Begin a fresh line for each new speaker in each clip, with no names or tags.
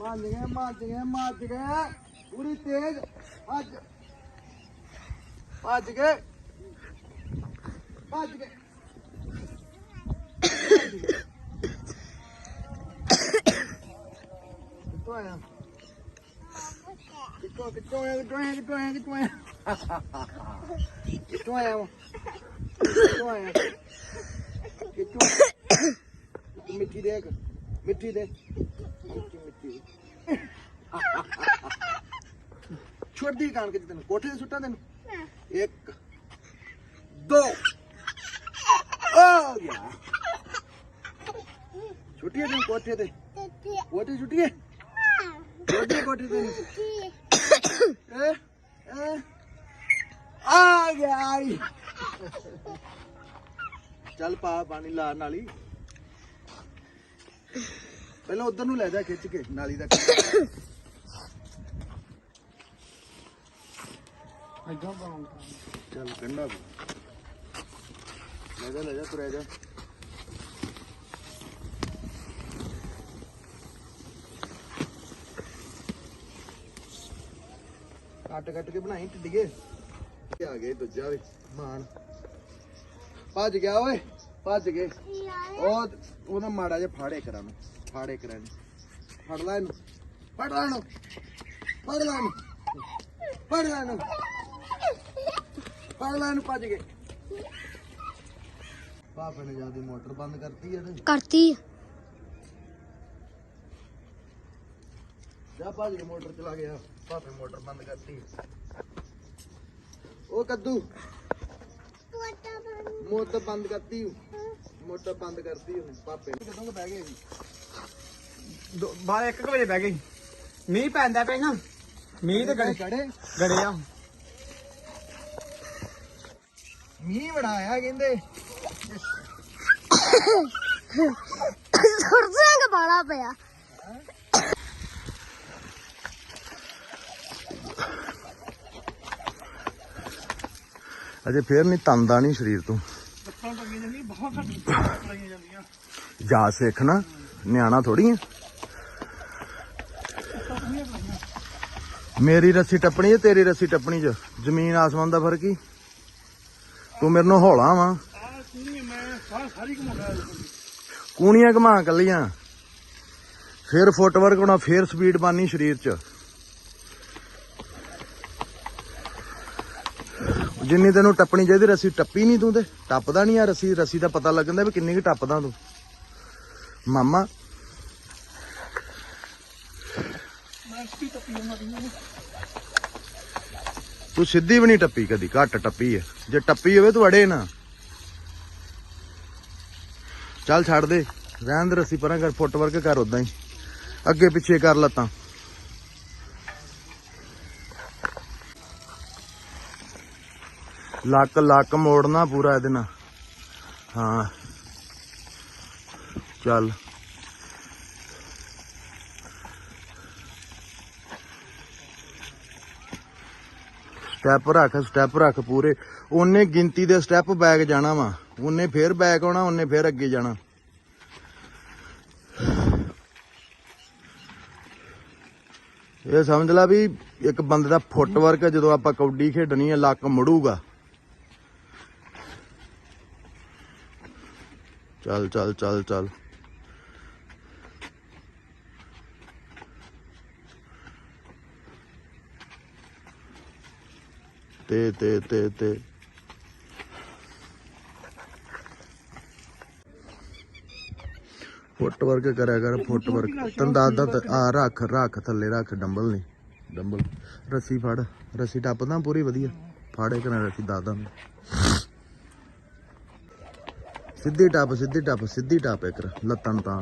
भज गए पूरी तेज भज गए कितों आया कितों आया मिट्टी दे मिट्टी छोड़ दी कान के तेन कोठे सुट्टा तेन एक दो आ गया छुट्टी है कोठे ते कोठे छुट्टी है कोठे ते आ गया आई चल पा पानी ला नाली पहले उधर नूं ले जा खिच के नाली दा चल कंडा ले जा तुरे जा कट के बनाई टिड्डिए आ गए दूजा भी मान भज गया ओए भज गए ओदा माड़ा जिहा फाड़े करा फड़ ला इनू भज गए पापा ने ज्यादा मोटर बंद करती है जा भज के मोटर चला गया पापे मोटर बंद करती ओ कद्दू मोटर बंद करती पापे कदों बह गए
बारह 1 बजे बह गई मीह पैंदा पे ना मीह ते गड़े आ
मीह बड़ा आया कहंदे
सुरसंग बड़ा पिया
अजे फिर नहीं तंदा नहीं शरीर तू जा सीखना न्याणा थोड़ी है मेरी रस्सी टप्पनी है तेरी रस्सी टप्पनी च जमीन आसमान का फर्क ही तू मेरे नाल हौला वा कूणियां घुमा कलियां फिर फुटवर्क होना फिर स्पीड बननी शरीर च जिन्नी तेनों टप्पनी चाहिए रस्सी टप्पी नहीं तू ते टपदा नहीं आ रस्सी का पता लगता भी किन्नी टपदा तू मामा तू सीधी भी नहीं टप्पी कदी घट टप्पी है जे टप्पी हो तू अड़े ना चल छड़ दे रहन दे रस्सी पर कर फुटवर्क कर उदा ही अगे पिछे कर लत्तां लक मोड़ना पूरा ये ना हाँ चल स्टैप रख पूरे उन्ने गिनती दे स्टैप बैक जाना वा उन्ने फिर बैक आना उन्ने फिर अगे जाना ये समझ ला भी एक बंदे का फुटवर्क जो आप कबड्डी खेडनी है लक मुड़ूगा चल चल चल चल ते फुटवर्क करा कर फुटवर्क तन दादा रख थले रख डंबल नहीं डंबल रस्सी फड़ रस्सी टपदा पूरी वधिया फाड़े करा रस्सी दादा सीधी टप एक लत्तां तान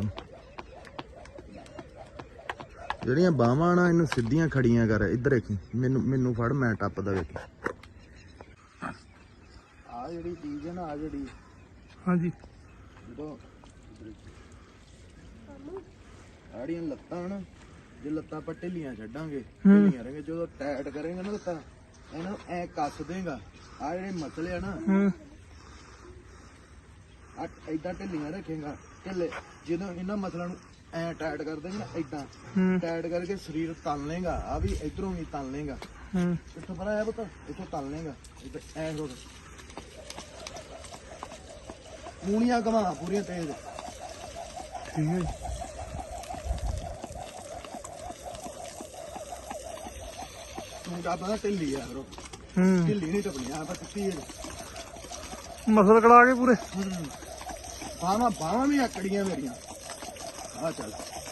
जड़ियां बाहवां ना इनू सीधियां खड़ियां कर इधर देखी मैनू फड़ मैं टपदा वेखी आ जिहड़ी चीज है ना आ जिहड़ी
हाँ जी
जो आड़ियां लत्तां ना जे लत्तां पर ढिलियां छड्डांगे ढिलियां रहेंगे जो टाइट करेंगे ना लत्तां इन्हां ऐ कस देगा आ जिहड़े मसले आ ना इदा ढिलियां रखेगा ढिले जो इन्होंने मसलों ਐ ਟਾਈਟ ਕਰ ਦੇਂਗੇ ਨਾ ਇਦਾਂ
ਹੂੰ
ਟਾਈਟ ਕਰਕੇ ਸਰੀਰ ਤਲ ਲੇਗਾ ਆ ਵੀ ਇਧਰੋਂ ਵੀ ਤਲ ਲੇਗਾ
ਹੂੰ
ਇੱਥੋਂ ਪਰਾਂ ਆਇਆ ਪੁੱਤ ਇੱਥੋਂ ਤਲ ਲੇਗਾ ਐ ਰੋੜ ਮੂਣੀਆਂ ਘਮਾ ਪੂਰੀਆਂ ਤੇਜ਼
ਠੀਕ ਹੈ
ਤੂੰ ਤਾਂ ਪਤਾ ਢਿੱਲੀ ਆ ਰੋ
ਹੂੰ
ਢਿੱਲੀ ਨਹੀਂ ਟਪਣੀ ਆ ਪਰ ਟੁੱਟੀ ਹੈ
ਮਸਲ ਕੜਾ ਕੇ ਪੂਰੇ
ਬਾਹਾਂ ਵੀ ਆਕੜੀਆਂ ਮੇਰੀਆਂ ਆ ਚੱਲ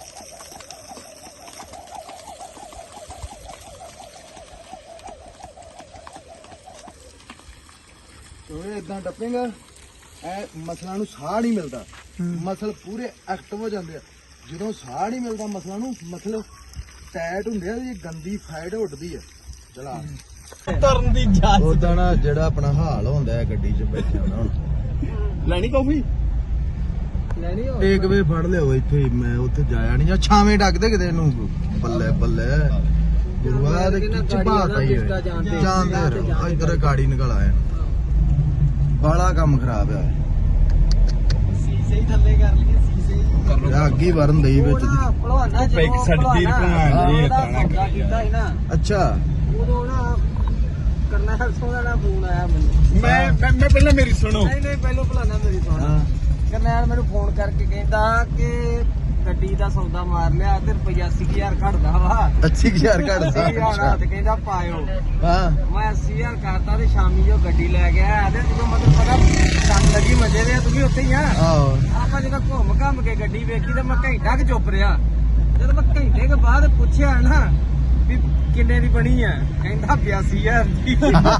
ਓਏ ਇਦਾਂ ਟੱਪੇਗਾ ਐ ਮਸਲਾਂ ਨੂੰ ਸਾਹ ਨਹੀਂ ਮਿਲਦਾ ਮਸਲ ਪੂਰੇ ਐਕਟਿਵ ਹੋ ਜਾਂਦੇ ਆ ਜਦੋਂ ਸਾਹ ਨਹੀਂ ਮਿਲਦਾ ਮਸਲਾਂ ਨੂੰ ਮਸਲ ਟਾਈਟ ਹੁੰਦੇ ਆ ਇਹ ਗੰਦੀ ਫੈਟ ਉੱਡਦੀ ਆ ਚਲਾ
ਤਰਨ ਦੀ ਜਾਂਚ
ਉਦਾਂ ਨਾ ਜਿਹੜਾ ਆਪਣਾ ਹਾਲ ਹੁੰਦਾ ਹੈ ਗੱਡੀ 'ਚ ਬੈਠਿਆ ਨਾ ਹੁਣ
ਲੈਣੀ ਕਾਫੀ ਲੈਣੀ ਹੋ
ਟੇਕ ਵੇ ਫੜ ਲਿਓ ਇੱਥੇ ਹੀ, ਮੈਂ ਉੱਥੇ ਜਾਇਆ ਨਹੀਂ ਜਾਂ ਛਾਵੇਂ ਡੱਕਦੇ ਕਿਤੇ ਇਹਨੂੰ ਬੱਲੇ ਬੱਲੇ ਗੁਰੂਆ ਦੇ ਕਿੱਚ ਬਾਤ ਆਈ ਜਾਂਦੇ ਰਹੋ ਇੱਧਰ ਗਾੜੀ ਨਿਕਲ ਆਇਆ ਬਾਲਾ ਕੰਮ ਖਰਾਬ ਆ
ਸੀਸੇ ਹੀ ਥੱਲੇ ਕਰ ਲਈਏ ਸੀਸੇ ਹੀ
ਇਹ ਅੱਗ ਹੀ ਵਰਨ ਦਈ ਵਿੱਚ
ਭਲਵਾਨਾ ਜੀ ਇੱਕ ਸਾਡੀ ਭਲਵਾਨ ਜੀ ਇਤਨਾ ਕੀਤਾ ਸੀ ਨਾ
ਅੱਛਾ
ਉਦੋਂ ਨਾ ਕਰਨੈਲ ਸੋਹਣਾ ਦਾ ਫੋਨ ਆਇਆ ਮੈਨੂੰ
ਮੈਂ ਪਹਿਲਾਂ ਮੇਰੀ ਸੁਣੋ
ਨਹੀਂ ਪਹਿਲਾਂ ਭਲਾਨਾ ਮੇਰੀ ਸੁਣ ਕਰਨੈਲ ਮੈਨੂੰ ਫੋਨ ਕਰਕੇ ਕਹਿੰਦਾ ਕਿ ਗੱਡੀ ਦਾ ਸੌਦਾ ਮਾਰ ਲਿਆ ਤੇ ਰੁਪਈਆ 80000 ਘਟਦਾ ਵਾ
80000 ਘੜਦਾ
80000 ਤੇ ਕਹਿੰਦਾ ਪਾਇਓ
ਹਾਂ
ਮੈਂ 80000 ਕਰਤਾ ਤੇ ਸ਼ਾਮੀ ਜੋ ਗੱਡੀ ਲੈ ਗਿਆ ਤੇ ਜਦੋਂ ਮਤਲਬ ਪਤਾ ਕੰਮ ਲੱਗੀ ਮਜੇ ਦੇ ਤੂੰ ਵੀ ਉੱਥੇ ਹੀ ਆ
ਆਹੋ
ਆਪਾਂ ਜਦੋਂ ਘੁੰਮ ਕੇ ਗੱਡੀ ਵੇਖੀ ਤੇ ਮੈਂ ਘੰਟਾ ਕਿ ਚੁੱਪ ਰਿਹਾ ਜਦੋਂ ਮੈਂ ਘੰਟੇ ਕੇ ਬਾਅਦ ਪੁੱਛਿਆ ਨਾ ਵੀ ਕਿੰਨੇ ਦੀ ਬਣੀ ਆ ਕਹਿੰਦਾ 82000 ਦੀ